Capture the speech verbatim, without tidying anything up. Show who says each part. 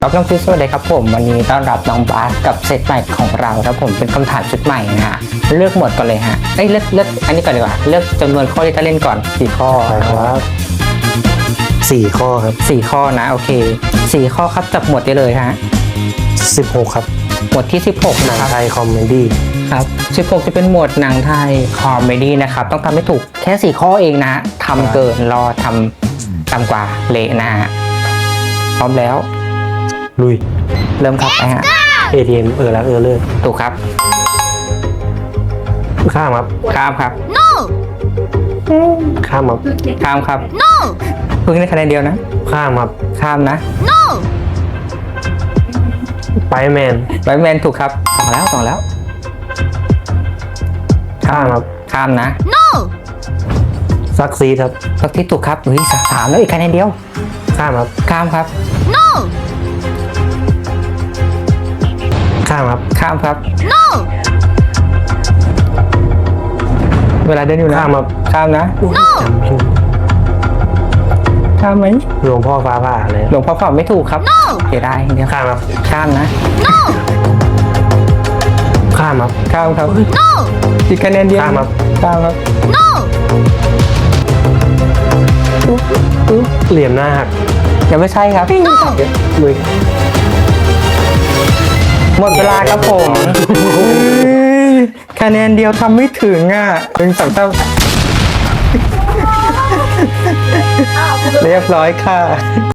Speaker 1: รับน้องฟิสสวัสดีครับผมวันนี้ต้อนรับน้องบาสกับเซตใหม่ของเราครับผมเป็นคำถามชุดใหม่นะฮะเลือกหมดก่อนเลยฮะเอ้ยเลือกเลือกอันนี้ก่อนดีกว่าเลือกจำนวนข้อที่จะเล่นก่อนสี่ข้อ
Speaker 2: ใช่ครับสี่ข้อครับ
Speaker 1: สี่ข้อนะโอเคสี่ข้อครับจับหมวดได้เลยฮะ
Speaker 2: สิบหกครับ
Speaker 1: หมวดที่สิบหก
Speaker 2: หนั
Speaker 1: นะ
Speaker 2: ง
Speaker 1: ครับ
Speaker 2: ไทยคอมเมดี้
Speaker 1: ครับสิบหกจะเป็นหมวดหนังไทยคอมเมดี้นะครับต้องทำให้ถูกแค่สี่ข้อเองนะทำเกินรอทำต่ำกว่าเละนะฮะพร้อมแล้ว
Speaker 2: ลุย
Speaker 1: เริ่มครับไปฮะ
Speaker 2: เอ ที เอ็ม เออแล้วเออเลย
Speaker 1: ถูกครับ
Speaker 2: ข้ามครับ
Speaker 1: ข้ามครับ
Speaker 3: No!
Speaker 2: ข้ามครับ
Speaker 1: ข้ามครับ
Speaker 3: No!
Speaker 1: เพิ่งได้คะแนนเดียวนะ
Speaker 2: ข้ามครับ
Speaker 1: ข้ามนะ
Speaker 3: No!
Speaker 2: ไปแมน
Speaker 1: ไบแมนถูกครับสองแล้วสองแล้ว
Speaker 2: ข้ามครับ
Speaker 1: ข้ามนะ
Speaker 3: No!
Speaker 2: ซักซีดครับ
Speaker 1: สักที่ถูกครับเฮ้ยสามสามแล้วอีกคะแนนเดียว
Speaker 2: ข้ามครับ
Speaker 1: ข้ามครับ
Speaker 3: No!
Speaker 2: ข้ามครับ
Speaker 1: ข้ามครับ
Speaker 3: No!
Speaker 1: เวลาเดินอยู่นะ
Speaker 2: ข้ามครับ
Speaker 1: ข้ามนะ
Speaker 3: No!
Speaker 2: จำชื่อ
Speaker 1: ข้ามไหม
Speaker 2: หลวงพ่อฟ้าผ่าเลย
Speaker 1: หลวงพ่อฝากไม่ถูกครับ
Speaker 3: No!
Speaker 1: เสียดายเดียว
Speaker 2: ข้ามครับ
Speaker 1: ข้ามนะ
Speaker 3: No!
Speaker 2: ข้ามครับ
Speaker 1: ข้ามครับ
Speaker 3: No!
Speaker 1: อีกคะแนนเดียว
Speaker 2: ข้ามครับ
Speaker 1: ข้ามครับ
Speaker 3: No!
Speaker 2: เหลี่ยมหน้าหัก
Speaker 1: ยังไม่ใช่ครับ
Speaker 2: ลุย
Speaker 1: หมดเวลาครับผมคะแนนเดียวทำไม่ถึงอ่ะเป็นสองเท่าเรียบร้อยค่ะ